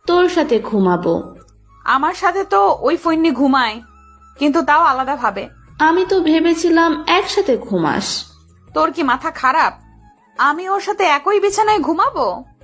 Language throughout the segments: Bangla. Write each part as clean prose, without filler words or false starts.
তোর সাথে ঘুমাবো। আমার সাথে তো ওই ফৈন্নি ঘুমায়, কিন্তু তাও আলাদা ভাবে। আমি তো ভেবেছিলাম একসাথে ঘুমাস। তোর কি মাথা খারাপ? আমি ওর সাথে একই বিছানায় ঘুমাবো?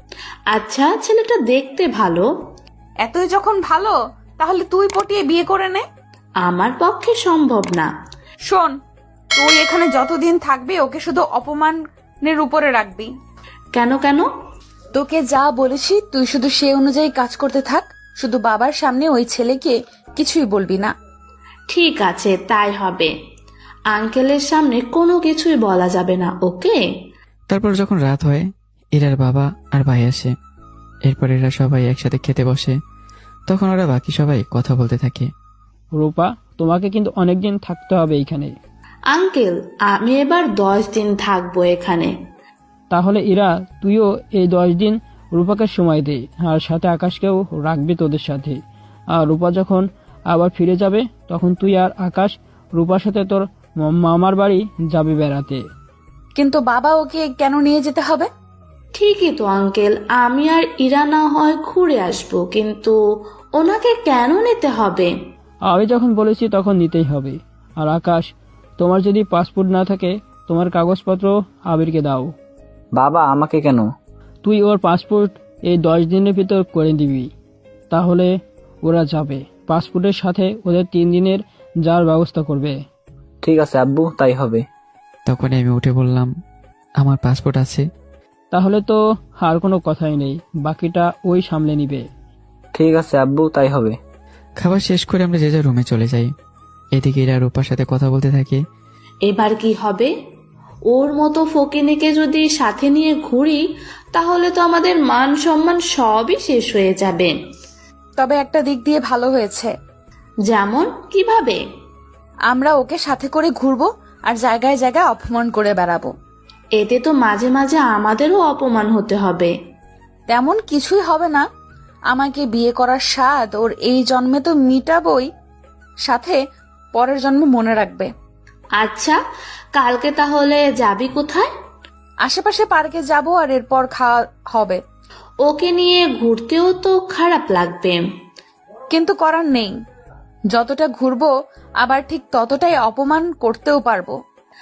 আচ্ছা, ছেলেটা দেখতে ভালো। এতই যখন ভালো, তাহলে তুই পটিয়ে বিয়ে করে নে। আমার পক্ষে সম্ভব না। শোন, তুই এখানে যতদিন থাকবি ওকে শুধু অপমানের উপরে রাখবি। কেন কেন? তোকে যা বলেছি তুই শুধু সে অনুযায়ী কাজ করতে থাক। শুধু বাবার সামনে ওই ছেলেকে কিছুই বলবি না। ঠিক আছে, তাই হবে। আঙ্কেলের সামনে কোনো কিছুই বলা যাবে না, ওকে? তারপর যখন রাত হয়, ইরার বাবা আর ভাই আসে। এরপর এরা সবাই একসাথে খেতে বসে। তখন ওরা বাকি সবাই কথা বলতে থাকে। রূপা, তোমাকে কিন্তু অনেকদিন থাকতে হবে এইখানে। আঙ্কেল, আমি এবার 10 দিন থাকবো এখানে। তাহলে ইরা, তুইও এই 10 দিন রূপাকে সময় দে, আর সাথে আকাশকেও রাখবি তোদের সাথে। আর রূপা যখন আবার ফিরে যাবে তখন তুই আর আকাশ রূপার সাথে তোর মামার বাড়ি যাবে বেড়াতে। কিন্তু বাবা ওকে কেন নিয়ে যেতে হবে? ঠিকই তো আঙ্কেল, আমি আর ইরা না হয় ঘুরে আসবো, কিন্তু ওনাকে কেন নিতে হবে? আমি যখন বলেছি তখন নিতেই হবে। আর আকাশ, তোমার যদি পাসপোর্ট না থাকে তোমার কাগজপত্র আবিরকে দাও। বাবা, আমাকে কেন? তুই ওর পাসপোর্ট এই 10 দিনের ভিতর করে দিবি, তাহলে ওরা যাবে। পাসপোর্টের সাথে ওদের 3 দিনের যাওয়ার ব্যবস্থা করবে। ঠিক আছে আব্বু, তাই হবে। তখনই আমি উঠে বললাম, আমার পাসপোর্ট আছে। তাহলে তো আর কোনো কথাই নেই, বাকিটা ওই সামলে নিবে। ঠিক আছে আব্বু, তাই হবে। খাবার শেষ করে আমরা যে যার রুমে চলে যাই। এদিকে ইরা রূপার সাথে কথা বলতে থাকে। এবার কি হবে? ওর মতো ফকিনীকে যদি সাথে নিয়ে ঘুরি, তাহলে তো আমাদের মান সম্মান সবই শেষ হয়ে যাবে। তবে একটা দিক দিয়ে ভালো হয়েছে। যেমন কিভাবে? আমরা ওকে সাথে করে ঘুরবো আর জায়গায় জায়গায় অপমান করে বেড়াবো। এতে তো মাঝে মাঝে আমাদেরও অপমান হতে হবে। তেমন কিছুই হবে না। আমাকে বিয়ে করার স্বাদ ওর এই জন্মে তো মিটাবই, সাথে পরের জন্মে মনে রাখবে। আচ্ছা, কালকে তাহলে যাবি কোথায়? আশেপাশে পার্কে যাব, আর এরপর খাওয়া হবে। ওকে নিয়ে ঘুরতেও তো খারাপ লাগবে। কিন্তু করার নেই, যতটা ঘুরবো আবার ঠিক ততটাই অপমান করতেও পারবো।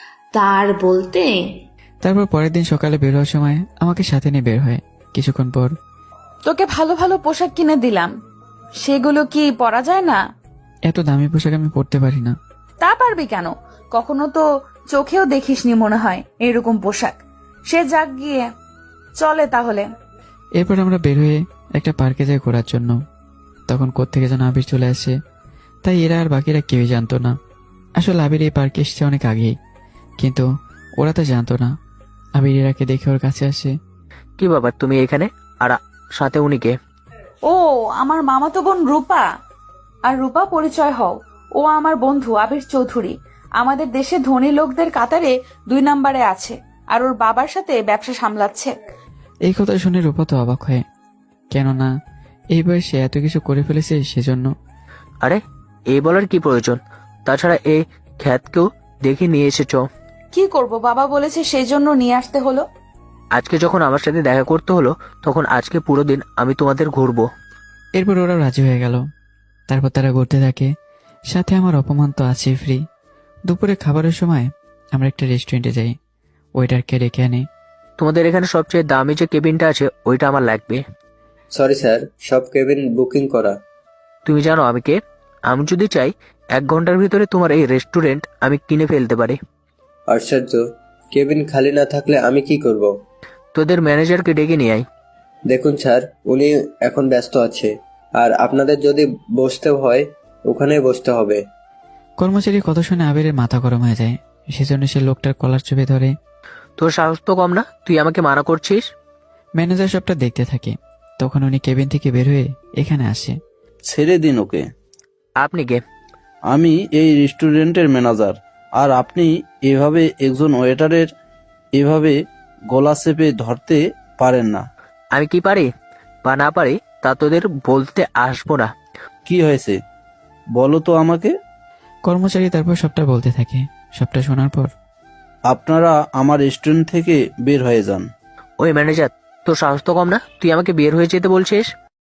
তার বলতে? তারপর পরের দিন সকালে বের হওয়ার সময় আমাকে সাথে নিয়ে বের হয়। কিছুক্ষণ পর, তোকে ভালো ভালো পোশাক কিনে দিলাম, সেগুলো কি পরা যায় না? এত দামি পোশাক আমি পরতে পারি না। তা পারবি কেন? কখনো তো চোখেও দেখিসনি মনে হয় এরকম পোশাক। সে যাক গিয়ে, চলে তাহলে। এরপর আমরা বের হয়ে একটা পার্কে যাই ঘোরার জন্য। তখন কোত্থেকে যেন আবির চলে আসে। তাই এরা আর বাকিরা কেউই জানতো না। আসলে আবির এই পার্কে এসেছে অনেক আগেই, কিন্তু ওরা তো জানতো না। আবির এরাকে দেখে ওর কাছে আসে। কি বাবা, তুমি এখানে? আর সাথে উনি কে? ও আমার মামাতো বোন রূপা। আর রূপা, পরিচয় হও, ও আমার বন্ধু আবির চৌধুরী। আমাদের দেশে ধনী লোকদের কাতারে 2 নম্বরে আছে, আর ওর বাবার সাথে ব্যবসা সামলাচ্ছে। এই কথা শুনে রূপা তো অবাক হয়, কেননা এই বয়সে এত কিছু করে ফেলেছে সেজন্য। আরে, এই বলার কি প্রয়োজন? তাছাড়া এই খ্যাতকেও দেখে নিয়ে এসেছ। কি করব, বাবা বলেছে সেই জন্য নিয়ে আসতে হলো। আজকে যখন আমার সাথে দেখা করতে হলো, তখন আজকে পুরো দিন আমি তোমাদের ঘুরবো। এরপর ওরা রাজি হয়ে গেল। তারপর তারা ঘুরতে থাকে। সাথে আমার অপমান তো আছেই ফ্রি। দুপুরে খাবারের সময় আমরা একটা রেস্টুরেন্টে যাই। ওয়েটারকে ডেকে আনি। তোমাদের এখানে সবচেয়ে দামি যে কেবিনটা আছে ওইটা আমার লাগবে। সরি স্যার, সব কেবিন বুকিং করা। তুমি জানো আমি কে? আমি যদি চাই 1 ঘন্টার ভিতরে তোমার এই রেস্টুরেন্ট আমি কিনে ফেলতে পারি। আশ্চর্য, কেবিন খালি না থাকলে আমি কি করব? তোদের ম্যানেজারকে ডেকে নিয়ে আয়। দেখুন স্যার, উনি এখন ব্যস্ত আছে, আর আপনাদের যদি বসতে হয় ওখানেই বসতে হবে। কর্মচারীর কথা শুনে আবিরের মাথা গরম হয়ে যায়। সেজন্য সে লোকটার কলার চেপে ধরে। তোর সাহস তো কম না, তুই আমাকে মানা করছিস? ম্যানেজার সবটা দেখতে থাকে। তখন উনি কেবিন থেকে বের হয়ে এখানে আসে। ছেড়ে দিন ওকে। আপনি কে? আমি এই রেস্টুরেন্টের ম্যানেজার। আর আপনি এভাবে একজন ওয়েটারের এভাবে গলা চেপে ধরতে পারেন না। আমি কি পারি বা না পারি তা তোদের বলতে আসবো না। কি হয়েছে বলো তো আমাকে। কর্মচারী তারপর সবটা বলতে থাকে। সবটা শোনার পর, আপনারা আমার রেস্টুরেন্ট থেকে বের হয়ে যান। ওই ম্যানেজার, তোর সাহস তো কম না, তুই আমাকে বের হয়ে যেতে বলছিস?